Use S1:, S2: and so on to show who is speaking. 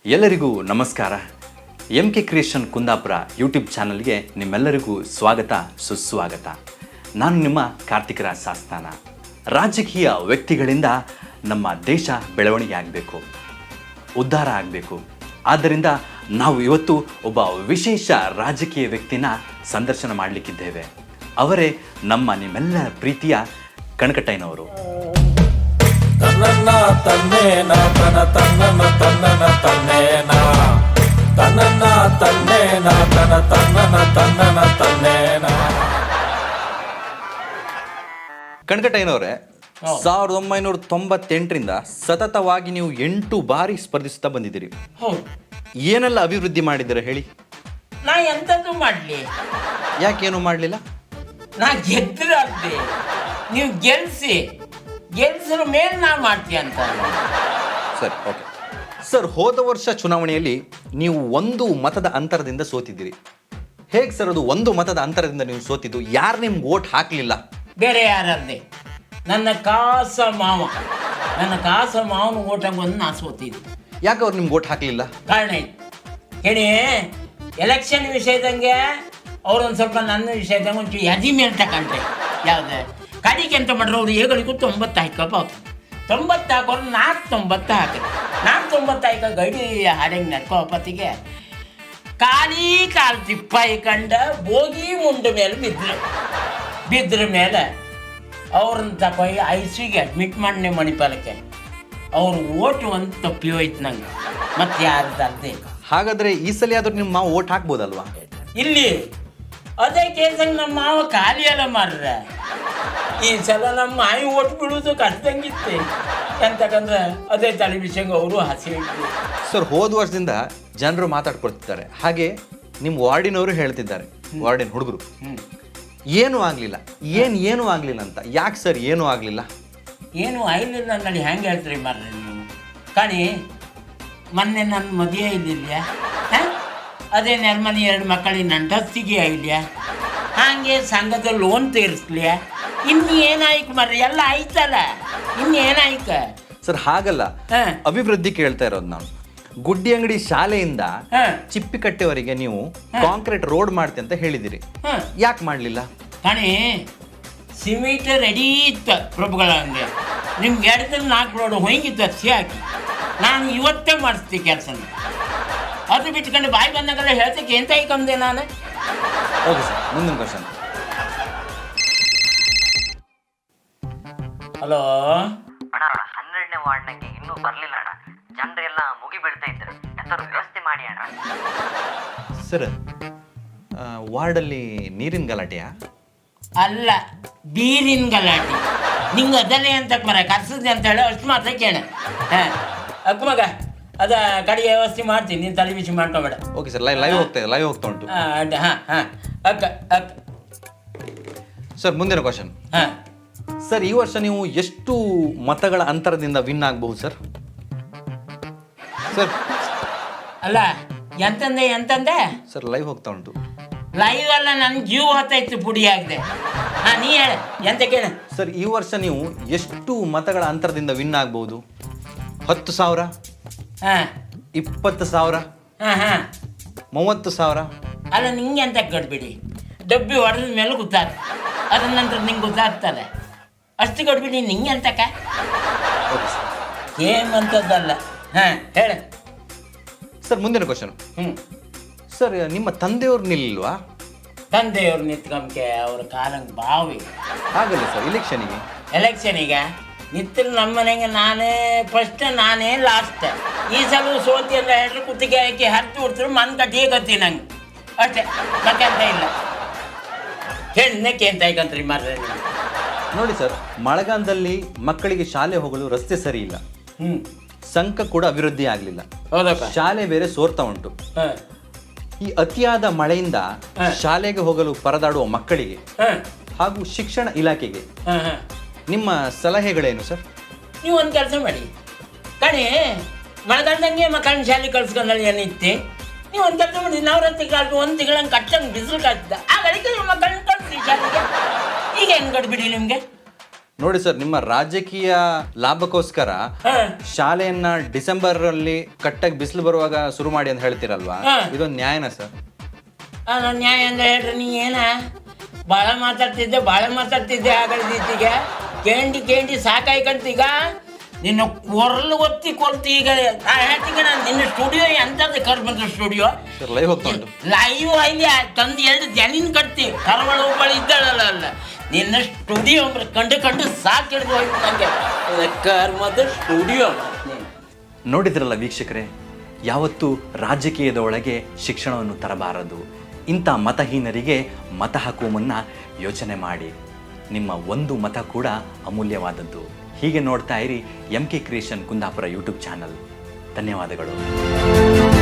S1: ಎಲ್ಲರಿಗೂ ನಮಸ್ಕಾರ. MK creation Kundapura YouTube ಚಾನಲ್ಗೆ ನಿಮ್ಮೆಲ್ಲರಿಗೂ ಸ್ವಾಗತ ಸುಸ್ವಾಗತ. ನಾನು ನಿಮ್ಮ ಕಾರ್ತಿಕ್ ರಾಜ್ ಸಾಸ್ತಾನ. ರಾಜಕೀಯ ವ್ಯಕ್ತಿಗಳಿಂದ ನಮ್ಮ ದೇಶ ಬೆಳವಣಿಗೆ ಆಗಬೇಕು, ಉದ್ಧಾರ ಆಗಬೇಕು. ಆದ್ದರಿಂದ ನಾವು ಇವತ್ತು ಒಬ್ಬ ವಿಶೇಷ ರಾಜಕೀಯ ವ್ಯಕ್ತಿನ ಸಂದರ್ಶನ ಮಾಡಲಿಕ್ಕಿದ್ದೇವೆ. ಅವರೇ ನಮ್ಮ ನಿಮ್ಮೆಲ್ಲರ ಪ್ರೀತಿಯ ಕಣಕಟ್ಟಯ್ಯನವರು.
S2: ತನ್ನನ್ನ ತನ್ನೇನ ತನ ತನ್ನನ್ನ ತನ್ನನ ತನ್ನೇನ ತನ್ನನ್ನ ತನ್ನೇನ ತನ ತನ್ನನ ತನ್ನನ ತನ್ನೇನ.
S1: ಕಣಕಟ್ಟಯ್ಯನವರೇ, 1998ರಿಂದ ಸತತವಾಗಿ ನೀವು 8 ಬಾರಿ ಸ್ಪರ್ಧಿಸ್ತಾ ಬಂದಿದ್ದೀರಿ.
S3: ಹೌದು,
S1: ಏನೆಲ್ಲ ಅಭಿವೃದ್ಧಿ ಮಾಡಿದ್ದೀರಾ ಹೇಳಿ?
S3: ನಾ ಎಂಥದ್ದು ಮಾಡಲಿ?
S1: ಯಾಕೇನು ಮಾಡಲಿಲ್ಲ?
S3: ನಾ ಗೆದ್ರಾಗ್ದೆ, ನೀವು ಗೆಲ್ಸಿರ ಮೇಲೆ ನಾ ಮಾಡ್ತೀಯ ಅಂತ.
S1: ಸರಿ, ಓಕೆ ಸರ್. ಹೋದ ವರ್ಷ ಚುನಾವಣೆಯಲ್ಲಿ ನೀವು 1 ಮತದ ಅಂತರದಿಂದ ಸೋತಿದ್ದೀರಿ. ಹೇಗೆ ಸರ್ ಅದು 1 ಮತದ ಅಂತರದಿಂದ ನೀವು ಸೋತಿದ್ದು? ಯಾರು ನಿಮ್ಗೆ ವೋಟ್ ಹಾಕಲಿಲ್ಲ?
S3: ಬೇರೆ ಯಾರದ್ದೆ, ನನ್ನ ಕಾಸ ಮಾವನ ಓಟಾಗ ಬಂದು ನಾ ಸೋತಿದ್ದೆ.
S1: ಯಾಕೆ ಅವ್ರು ನಿಮ್ಗೆ ವೋಟ್ ಹಾಕಲಿಲ್ಲ?
S3: ಕಾರಣ ಇತ್ತು ಹೇಳಿ. ಎಲೆಕ್ಷನ್ ವಿಷಯದಂಗೆ ಅವ್ರೊಂದು ಸ್ವಲ್ಪ ನನ್ನ ವಿಷಯದಂಗೆ ಒಂಚೂರು ಯದಿ ಮೇಲೆ ತಗೊಂಡ್ರೆ ಯಾವ್ದು ಕಡಿಗೆ ಅಂತ ಮಾಡ್ರೆ ಅವ್ರು ಏಗಳಿಗೂ 90 ಹಾಕಪ್ಪ. 90 ಹಾಕೋರು 490 ಹಾಕಿದ್ರು. 490 ಹಾಕ ಗಡಿ ಹಾಡಂಗೆ ನಡ್ಕೋಪತ್ತಿಗೆ ಕಾಲು ತಿಪ್ಪ ಇಕಂಡ ಬೋಗಿ ಮುಂಡ ಮೇಲೆ ಬಿದ್ರ ಮೇಲೆ ಅವ್ರನ್ನ ತಗೊಯ್ ICUಗೆ ಅಡ್ಮಿಟ್ ಮಾಡಿ ಮಣಿಪಾಲಕ್ಕೆ. ಅವ್ರು ಓಟು ಒಂದು ತಪ್ಪಿ ಹೋಯ್ತು ನಂಗೆ, ಮತ್ತೆ ಯಾರ್ದಲ್ದೆ.
S1: ಹಾಗಾದ್ರೆ ಈ ಸಲ ಆದ್ರೂ ನಿಮ್ಮ ಮಾವು ವೋಟ್ ಹಾಕ್ಬೋದಲ್ವಾ?
S3: ಇಲ್ಲಿ ಅದೇ ಕೇಸಂಗೆ ನಮ್ಮ ಮಾವ ಖಾಲಿ ಎಲ್ಲ ಮಾರ್ರೆ. ಈ ಸಲ ನಮ್ಮ ಮಾಯಿ ಓಟ್ ಬಿಡೋದು ಕಷ್ಟಂಗಿತ್ತೆ. ಎಂತಕಂದ್ರೆ ಅದೇ ಟೆಲಿವಿಷನ್ಗೆ ಅವರು ಹಸಿ ಇಟ್ಟು.
S1: ಸರ್, ಹೋದ ವರ್ಷದಿಂದ ಜನರು ಮಾತಾಡ್ಕೊಳ್ತಿದ್ದಾರೆ, ಹಾಗೆ ನಿಮ್ಮ ವಾರ್ಡಿನವರು ಹೇಳ್ತಿದ್ದಾರೆ, ವಾರ್ಡಿನ ಹುಡುಗರು ಏನೂ ಆಗಲಿಲ್ಲ, ಏನೂ ಆಗಲಿಲ್ಲ ಅಂತ. ಯಾಕೆ ಸರ್ ಏನೂ ಆಗಲಿಲ್ಲ?
S3: ಏನು ಆಯ್ಲಿಲ್ಲ ಅಂದೇಳಿ ಹೆಂಗೆ ಹೇಳ್ತೀರಿ ಮಾರ್ರೆ ನೀವು? ಕಾಣಿ, ಮೊನ್ನೆ ನನ್ನ ಮದುವೆ ಇಲ್ಲಿಲ್ಲ, ಅದೇ ನೆರ್ಮನಿ 2 ಮಕ್ಕಳಿಗೆ ನಂಟಸ್ತಿಗೆ ಇಲ್ಲ, ಹಾಗೆ ಸಂಘದ ಲೋನ್ ತೀರಿಸ್ಲಿಯ. ಇನ್ನು ಏನಾಯ್ತು ಮಾರ್ರೆ? ಎಲ್ಲ ಆಯ್ತಲ್ಲ, ಇನ್ನೇನಾಯ್ಕ?
S1: ಸರ್ ಹಾಗಲ್ಲ, ಅಭಿವೃದ್ಧಿ ಕೇಳ್ತಾ ಇರೋದು ನಾನು. ಗುಡ್ಡಿ ಅಂಗಡಿ ಶಾಲೆಯಿಂದ ಚಿಪ್ಪಿಕಟ್ಟೆವರೆಗೆ ನೀವು ಕಾಂಕ್ರೀಟ್ ರೋಡ್ ಮಾಡ್ತೆ ಅಂತ ಹೇಳಿದಿರಿ, ಯಾಕೆ ಮಾಡಲಿಲ್ಲ?
S3: ಕಣಿ, ಸಿಮೆಂಟ್ ರೆಡಿ ಇತ್ತು ಪ್ರಭುಗಳ ಹಂಗೆ. ನಿಮ್ಗೆ 2-4 ರೋಡ್ ಹೋಗಿತ್ತು ಹಸಿ ಹಾಕಿ. ನಾನು ಇವತ್ತೇ ಮಾಡಿಸ್ತೀನಿ ಕೆಲಸನ. ಅದು ಬಿಟ್ಕೊಂಡು ಬಾಯಿ ಬಂದಾಗೆಲ್ಲ ಹೇಳ್ತಕ್ಕೆ ಎಂತ ಐಕಂದೆ ನಾನು.
S1: ಓಕೆ ಸರ್, ಮುಂದಿನ ಕ್ವಶನ್.
S3: ಹಲೋ
S4: ಅಣ್ಣ, 12ನೇ ವಾರ್ಡ್ನಾಗೆ ಇನ್ನೂ ಬರಲಿಲ್ಲ ಅಣ್ಣ. ಜನರೆಲ್ಲ ಮುಗಿ ಬೀಳ್ತಾ ಇದ್ರು. ಎಂತಾದ್ರು ವ್ಯವಸ್ಥೆ ಮಾಡಿ ಅಣ್ಣ.
S1: ಸರ್, ವಾರ್ಡಲ್ಲಿ ನೀರಿನ ಗಲಾಟೆಯಾ?
S3: ಅಲ್ಲ, ಬೀರಿನ ಗಲಾಟೆ. ನಿಂಗೆ ಅದನ್ನೇ ಅಂತ ಮರ ಕರ್ಸದೆ ಅಂತ ಹೇಳಿ ಅಷ್ಟು ಮಾತ್ರ ಕೇಳ. ಅಕ್ಕ ಮಗ, ಅದ ಕಡೆಗೆ ವ್ಯವಸ್ಥೆ ಮಾಡ್ತೀನಿ, ನೀನು ತಲೆ ಬಿಸಿ ಮಾಡ್ಕೊಬೇಡ.
S1: ಓಕೆ ಸರ್, ಲೈವ್ ಹೋಗ್ತಾ ಉಂಟು.
S3: ಅಕ್ಕ
S1: ಸರ್, ಮುಂದಿನ ಕ್ವಶನ್. ಸರ್, ಈ ವರ್ಷ ನೀವು ಎಷ್ಟು ಮತಗಳ ಅಂತರದಿಂದ ವಿನ್ ಆಗಬಹುದು ಸರ್? ಸರ್
S3: ಅಲ್ಲ, ಎಂತಂದೆ
S1: ಸರ್, ಲೈವ್ ಹೋಗ್ತಾ ಉಂಟು.
S3: ಲೈವ್ ಅಲ್ಲ, ನನ್ನ ಜೀವ ಹೊತ್ತಾಯ್ತು, ಪುಡಿ ಆಗಿದೆ. ನೀ ಹೇಳ ಎಂತ ಕೇಳ.
S1: ಸರ್, ಈ ವರ್ಷ ನೀವು ಎಷ್ಟು ಮತಗಳ ಅಂತರದಿಂದ ವಿನ್ ಆಗ್ಬಹುದು? 10,000, 20,000, 30,000?
S3: ಅಲ್ಲ, ನಿಂಗೆ ಅಂತ ಕಟ್ಬಿಡಿ. ಡಬ್ಬಿ ಹೊಡೆದ ಮೇಲೆ ಗೊತ್ತಾಗ್ತ, ಅದ್ರ ನಂತರ ನಿಂಗೆ ಗೊತ್ತಾಗ್ತದೆ. ಅಷ್ಟು ಕೊಟ್ಬಿಡಿ ನಿಂಗೆ ಅಂತಕ್ಕ ಏಮಂತದ್ದಲ್ಲ. ಹೇಳ
S1: ಸರ್, ಮುಂದಿನ ಕ್ವಶನ್. ಸರ್, ನಿಮ್ಮ ತಂದೆಯವ್ರು ನಿಲ್ಲಿಲ್ವಾ?
S3: ತಂದೆಯವ್ರು ನಿಂತ್ಕೊಂಬಕೆ ಅವ್ರ ಕಾಲಂಗೆ ಬಾವಿ.
S1: ಹಾಗಲ್ಲ ಸರ್,
S3: ಎಲೆಕ್ಷನಿಗೆ ನಿಂತರು ನಮ್ಮ ಮನೆಗೆ ನಾನೇ ಫಸ್ಟ್, ನಾನೇ ಲಾಸ್ಟ್. ಈ ಸಲ ಸೋತಿ ಎಲ್ಲ ಹೇಳ್ರು, ಕುತ್ತಿಗೆ ಹಾಕಿ ಹರಿದು ಬಿಡ್ತಾರೆ, ಮನ್ ಕಟ್ಟಿ ಗತಿ ನಂಗೆ ಅಷ್ಟೇ, ಮತ್ತೆ ಅಂತ ಇಲ್ಲ. ಹೆಣ್ಣಕ್ಕೆ ಅಂತ ಐಕಂತ್ರಿ ಮಾರ್ರೆ.
S1: ನೋಡಿ ಸರ್, ಮಳೆಗಾಲದಲ್ಲಿ ಮಕ್ಕಳಿಗೆ ಶಾಲೆ ಹೋಗಲು ರಸ್ತೆ ಸರಿ ಇಲ್ಲ, ಸಂಘ ಕೂಡ ಅಭಿವೃದ್ಧಿ ಆಗಲಿಲ್ಲ, ಶಾಲೆ ಬೇರೆ ಸೋರ್ತಾ ಉಂಟು. ಈ ಅತಿಯಾದ ಮಳೆಯಿಂದ ಶಾಲೆಗೆ ಹೋಗಲು ಪರದಾಡುವ ಮಕ್ಕಳಿಗೆ ಹಾಗೂ ಶಿಕ್ಷಣ ಇಲಾಖೆಗೆ ನಿಮ್ಮ ಸಲಹೆಗಳೇನು ಸರ್?
S3: ನೀವು ಒಂದು ಕೆಲಸ ಮಾಡಿ ಕಣಿ, ಮಳೆಗಾಲದಂಗೆ ಮಕ್ಕಳನ್ನ ಶಾಲೆ ಕಳ್ಸ್ಕೊಂಡಲ್ಲಿ ಏನಿತ್ತೆ. ನೀವು ಒಂದು ಕೆಲಸ ಮಾಡಿ, ನವರಾತ್ರಿ ಕಾಲಕ್ಕೆ 1 ತಿಂಗಳಂಗೆ ಕಟ್ಟಂಗೆ ಬಿಸಿಲು ಕಾಯ್ತದ, ಆ ಗಳಿಗೆ ಮಕ್ಕಳನ್ನ ಕಳಿಸಿ ಶಾಲೆಗೆ. ಈಗ ಹೆಂಗೆ ಕಟ್ಬಿಡಿ ನಿಮಗೆ?
S1: ನೋಡಿ ಸರ್, ನಿಮ್ಮ ರಾಜಕೀಯ ಲಾಭಕ್ಕೋಸ್ಕರ ಶಾಲೆಯನ್ನ ಡಿಸೆಂಬರ್ ಅಲ್ಲಿ ಕಟ್ಟಾಗಿ ಬಿಸಿಲು ಬರುವಾಗ ಶುರು ಮಾಡಿ ಅಂತ ಹೇಳ್ತೀರಲ್ವಾ, ಇದೊಂದು ನ್ಯಾಯನಾ ಸರ್?
S3: ನಾನು ನ್ಯಾಯ ಅಂದ್ರೆ ಹೇಳ್ರಿ, ನೀ ಏನ ಭಾಳ ಮಾತಾಡ್ತಿದ್ದೆ ಆಗಲ್ದೀಗ ಕೇಂಡಿ ಸಾಕಾಯ್ಕಂತೀಗ ನಿನ್ನ ಕೊರಲು ಒತ್ತಿ ಕೊಲ್ತಿ. ಈಗ ಹೇಳ್ತೀಗ ನಾನು ನಿನ್ನ ಸ್ಟುಡಿಯೋ ಎಂಥದ್ದು ಬಂದ ಸ್ಟುಡಿಯೋ
S1: ಲೈವ್ ಹೋಗ್ತಾ ಉಂಟು.
S3: ಲೈವ್ ಅಲ್ಲಿ ತಂದು 2 ಜನಿನ್ ಕಟ್ತಿ ಕರವಳ ಒಬ್ಬಳು ಇದ್ದಾಳಲ್ಲ ನಿನ್ನ ಸ್ಟುಡಿಯೋ ಕಂಡು ಸಾಕು ಹಿಡಿದು ಹೋಯ್ತು ನನಗೆ ಕರ್ಮದ ಸ್ಟುಡಿಯೋ.
S1: ನೋಡಿದ್ರಲ್ಲ ವೀಕ್ಷಕರೇ, ಯಾವತ್ತೂ ರಾಜಕೀಯದ ಒಳಗೆ ಶಿಕ್ಷಣವನ್ನು ತರಬಾರದು. ಇಂಥ ಮತಹೀನರಿಗೆ ಮತ ಹಾಕುವ ಮುನ್ನ ಯೋಚನೆ ಮಾಡಿ. ನಿಮ್ಮ ಒಂದು ಮತ ಕೂಡ ಅಮೂಲ್ಯವಾದದ್ದು. ಹೀಗೆ ನೋಡ್ತಾ ಇರಿ MK creation Kundapura YouTube channel. ಧನ್ಯವಾದಗಳು.